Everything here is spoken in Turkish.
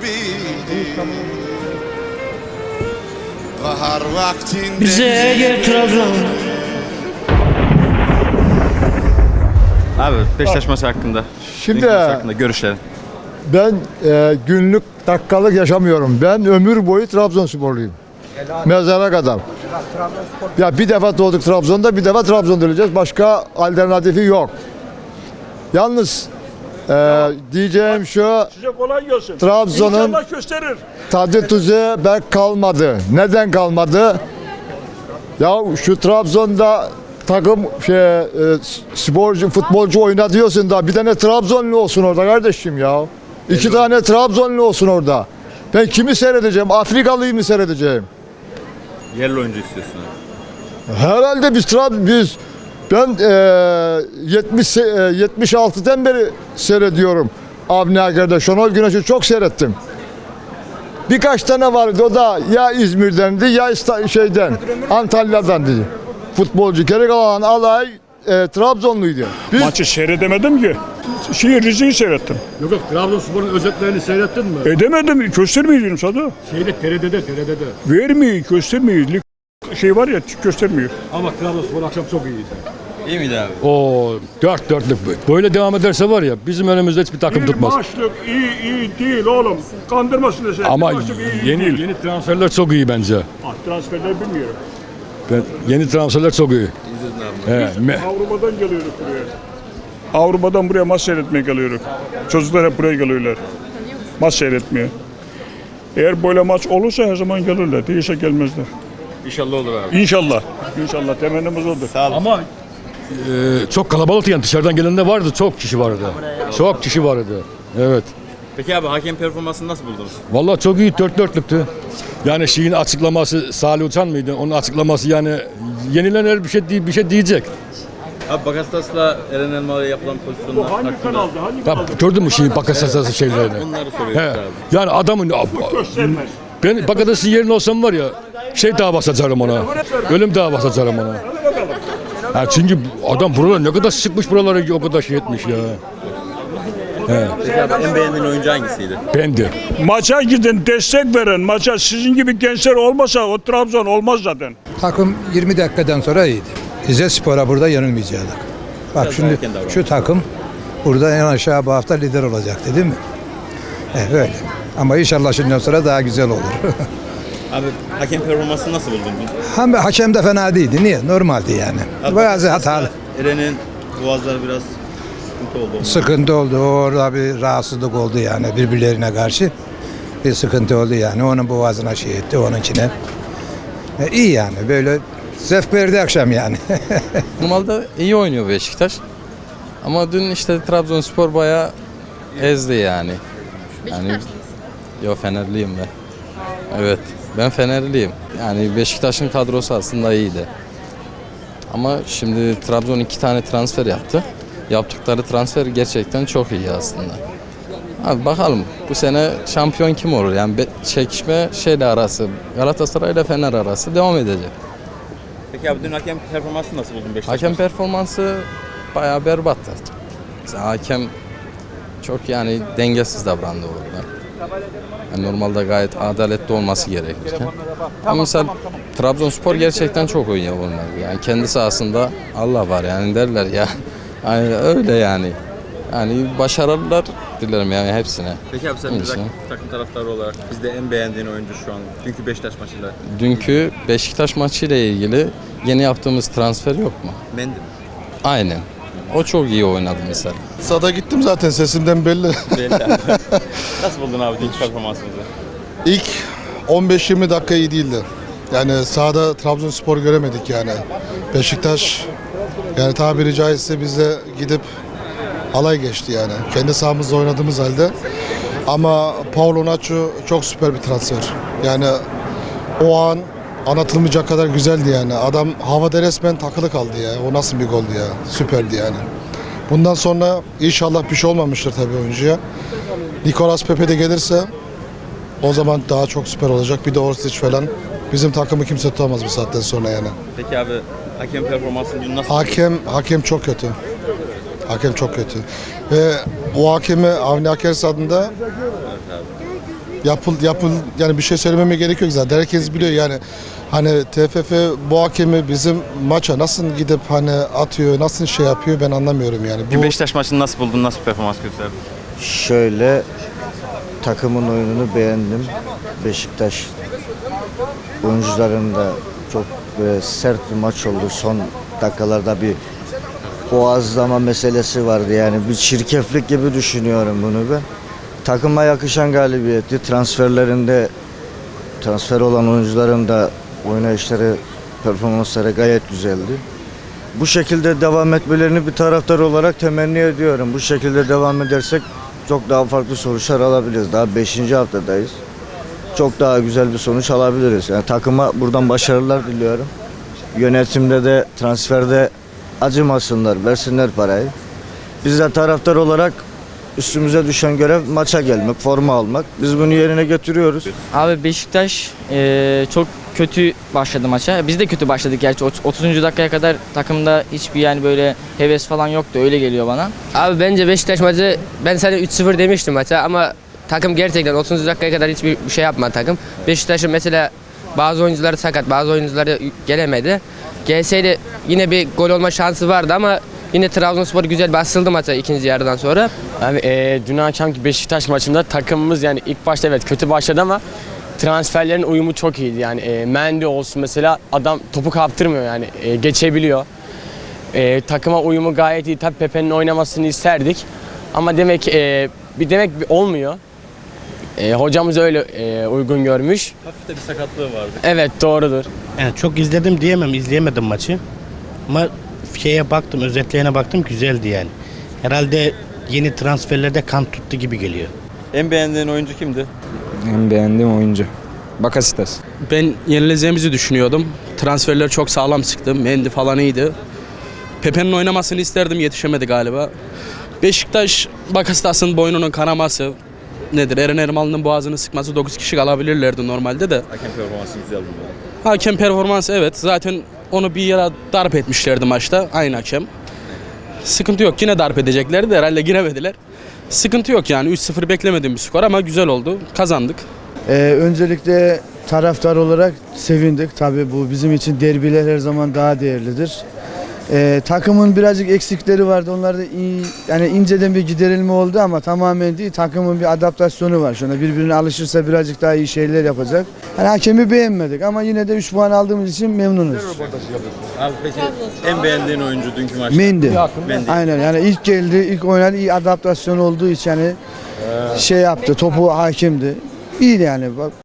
gibiydi. Bahar vaktinde Bize gel Trabzon. Abi Beşiktaş maçı hakkında. Şimdi Dünkü maç hakkında görüşlerin. ben günlük dakikalık yaşamıyorum. Ben ömür boyu Trabzonsporluyum. Mezara kadar. Ya bir defa doğduk Trabzon'da, bir defa Trabzon'da öleceğiz. Başka alternatifi yok. Yalnız diyeceğim şu, Size kolay gelsin. Trabzon'un İnşallah gösterir. tadı tuzu pek kalmadı. Neden kalmadı? Ya şu Trabzon'da takım sporcu, futbolcu oyna diyorsun da bir tane Trabzonlu olsun orada kardeşim ya. İki tane Trabzonlu olsun orada. Ben kimi seyredeceğim? Afrikalıyı mı seyredeceğim? Yerli oyuncu istiyorsun abi. Herhalde ben 76'dan beri seyrediyorum. Avni Aker'de Şenol Güneş'i çok seyrettim. Birkaç tane vardı, o da ya İzmir'dendi ya Antalya'dan dedi. Futbolcu, geri kalan alay Trabzonluydu. Maçı seyredemedim ki. Rize'yi seyrettim. Yok Trabzonspor'un özetlerini seyrettin mi? Edemedim. Göstermiyor sana. TRT'de. Vermiyor, göstermiyor. Şey var ya, göstermiyor. Ama Trabzonspor akşam çok iyiydi. İyi miydi abi? O dörtlük. Böyle devam ederse var ya bizim önümüzde hiçbir takım tutmaz. Maçlık iyi değil oğlum. Kandırmasın da sen. Ama Maçlık iyi değil. yeni transferler çok iyi bence. Transferleri bilmiyorum. Yeni transferler çok iyi. Avrupa'dan geliyoruz buraya. Avrupa'dan buraya maç seyretmeye geliyoruz. Çocuklar hep buraya geliyorlar. Maç seyretmeye. Eğer böyle maç olursa her zaman gelirler. Değilse gelmezler. İnşallah olur abi. İnşallah. İnşallah temennimiz odur. Sağ olun. Ama çok kalabalık yani dışarıdan gelenler vardı, çok kişi vardı. Çok kişi vardı. Evet. Peki abi hakem performansını nasıl buldunuz? Vallahi çok iyi, dörtlüktü. Yani şeyin açıklaması, Salih Uçan mıydı? Onun açıklaması yani yenilen her bir şey diyecek. Abi Bakasetas'la Eren Elmalı'ya yapılan pozisyonlar Hangi hakkında. kanalda? Hangi Ya, kanalda? gördün mü şeyin Bakasetas'ın şeylerini? Bunları soruyoruz He. abi. Yani adamın Göstermez. ben Bakasetas'ın yerine olsam var ya davası açarım ona. Ölüm davası açarım ona. Ha, çünkü adam buralar ne kadar sıkmış buraları o kadar şey etmiş ya. Peki abi en beğendiğin oyuncu hangisiydi? Bendi. Maça gidin, destek verin. Maça sizin gibi gençler olmasa o Trabzon olmaz zaten. Takım 20 dakikadan sonra iyiydi. Rizespor'a burada yenilmeyecektik. Bak Biraz şimdi erken davrandı. şu takım burada en aşağı bu hafta lider olacaktı değil mi? Öyle. Ama inşallah şimdiden sonra daha güzel olur. Abi hakem performansını nasıl buldun? Hakem de fena değildi. Niye? Normaldi yani. Abi, Bazı hatalı. Eren'in boğazları biraz sıkıntı oldu. Sıkıntı oldu. Orada bir rahatsızlık oldu yani birbirlerine karşı. Bir sıkıntı oldu yani. Onun boğazına şey etti, onun içine. İyi yani. Böyle zevk verdi akşam yani. Normalde iyi oynuyor Beşiktaş. Ama dün işte Trabzonspor bayağı ezdi yani. Yo Fenerliyim ben. Evet, ben Fenerliyim. Yani Beşiktaş'ın kadrosu aslında iyiydi. Ama şimdi Trabzon 2 tane transfer yaptı. Yaptıkları transfer gerçekten çok iyi aslında. Abi bakalım bu sene şampiyon kim olur? Yani çekişme arası, Galatasaray ile Fener arası devam edecek. Peki abi dün hakem performansını nasıl buldun Beşiktaş? Hakem performansı bayağı berbattı. Mesela hakem çok yani dengesiz davrandı orada. Yani normalde gayet adaletli olması gerekirken. Ama mesela Trabzonspor gerçekten çok oynuyor bunlar. Yani kendi sahasında Allah var yani derler ya. Yani öyle yani. Yani başarılar dilerim yani hepsine. Peki abi sen bir İnşallah. takım taraftarı olarak bizde en beğendiğin oyuncu şu an dünkü Beşiktaş maçıyla Dünkü Beşiktaş maçıyla ilgili yeni yaptığımız transfer yok mu? Mendy mi? Aynen. O çok iyi oynadı mesela. Sada gittim zaten sesimden belli. Belli abi. Nasıl buldun abi dünkü performansımızı? İlk 15-20 dakika iyi değildi. Yani sahada Trabzonspor göremedik yani. Beşiktaş yani tabiri caizse bize gidip alay geçti yani. Kendi sahamızda oynadığımız halde. Ama Paulo Nacho çok süper bir transfer. Yani o an anlatılmayacak kadar güzeldi yani. Adam havada resmen takılı kaldı ya. O nasıl bir goldü ya. Süperdi yani. Bundan sonra inşallah bir şey olmamıştır tabii oyuncuya. Nicolas Pepe de gelirse o zaman daha çok süper olacak. Bir de Orsic falan. Bizim takımı kimse tutamaz bu saatten sonra yani. Peki abi hakem performansını dün nasıl Hakem çok kötü. Hakem çok kötü. Ve o hakemi Avni Akers adında yani bir şey söylememe gerek yok zaten. Herkes biliyor yani. Hani TFF bu hakemi bizim maça nasıl gidip hani atıyor, nasıl şey yapıyor ben anlamıyorum yani. Bu Beşiktaş maçını nasıl buldun? Nasıl performans gösterdin? Şöyle takımın oyununu beğendim. Beşiktaş oyuncuların da çok böyle sert bir maç oldu. Son dakikalarda bir boğazlama meselesi vardı. Yani bir çirkeflik gibi düşünüyorum bunu ben. Takıma yakışan galibiyetti. Transfer olan oyuncuların da oynayışları, performansları gayet güzeldi. Bu şekilde devam etmelerini bir taraftar olarak temenni ediyorum. Bu şekilde devam edersek çok daha farklı sonuçlar alabiliriz. Daha 5. haftadayız. Çok daha güzel bir sonuç alabiliriz. Yani takıma buradan başarılar diliyorum. Yönetimde de transferde acımasınlar, versinler parayı. Biz de taraftar olarak üstümüze düşen görev maça gelmek, forma almak. Biz bunu yerine getiriyoruz. Abi Beşiktaş çok kötü başladı maça. Biz de kötü başladık gerçi. 30. dakikaya kadar takımda hiçbir yani böyle heves falan yoktu. Öyle geliyor bana. Abi bence Beşiktaş maçı, ben sana 3-0 demiştim maça ama takım gerçekten 30. dakikaya kadar hiçbir şey yapmadı takım. Beşiktaş'ın mesela bazı oyuncuları sakat, bazı oyuncuları gelemedi. Gelseydi yine bir gol olma şansı vardı ama yine Trabzonspor güzel basıldı maça ikinci yarıdan sonra. Abi dün akşamki Beşiktaş maçında takımımız yani ilk başta evet kötü başladı ama transferlerin uyumu çok iyiydi. Yani Mendy olsun mesela adam topu kaptırmıyor yani geçebiliyor. Takıma uyumu gayet iyi. Tabii Pepe'nin oynamasını isterdik ama demek olmuyor. Hocamız öyle uygun görmüş. Hafif de bir sakatlığı vardı. Evet doğrudur. Yani çok izledim diyemem, izleyemedim maçı. Ama şeye baktım, özetlerine baktım, güzeldi yani. Herhalde yeni transferlerde kan tuttu gibi geliyor. En beğendiğin oyuncu kimdi? En beğendiğim oyuncu Bakasetas. Ben yenileceğimizi düşünüyordum. Transferler çok sağlam çıktı. Mendy falan iyiydi. Pepe'nin oynamasını isterdim, yetişemedi galiba. Beşiktaş Bakasetas'ın boynunun kanaması nedir? Eren Ermal'ın boğazını sıkması 9 kişi kalabilirlerdi normalde de. Hakem performansı güzeldi. Hakem performansı evet. Zaten onu bir yere darp etmişlerdi maçta. Aynı hakem. Sıkıntı yok. Yine darp edeceklerdi de herhalde giremediler. Sıkıntı yok yani. 3-0 beklemediğim bir skor ama güzel oldu. Kazandık. Öncelikle taraftar olarak sevindik. Tabii bu bizim için derbiler her zaman daha değerlidir. Takımın birazcık eksikleri vardı. Onlar da iyi, yani inceden bir giderilme oldu ama tamamen değil. Takımın bir adaptasyonu var. Şuna birbirine alışırsa birazcık daha iyi şeyler yapacak. Yani hakemi beğenmedik ama yine de 3 puan aldığımız için memnunuz. Abi peki en beğendiğin oyuncu dünkü maçta? Mendy. Aynen yani ilk geldi, ilk oynadı, iyi adaptasyon olduğu için yani şey yaptı, topu hakimdi. İyiydi yani.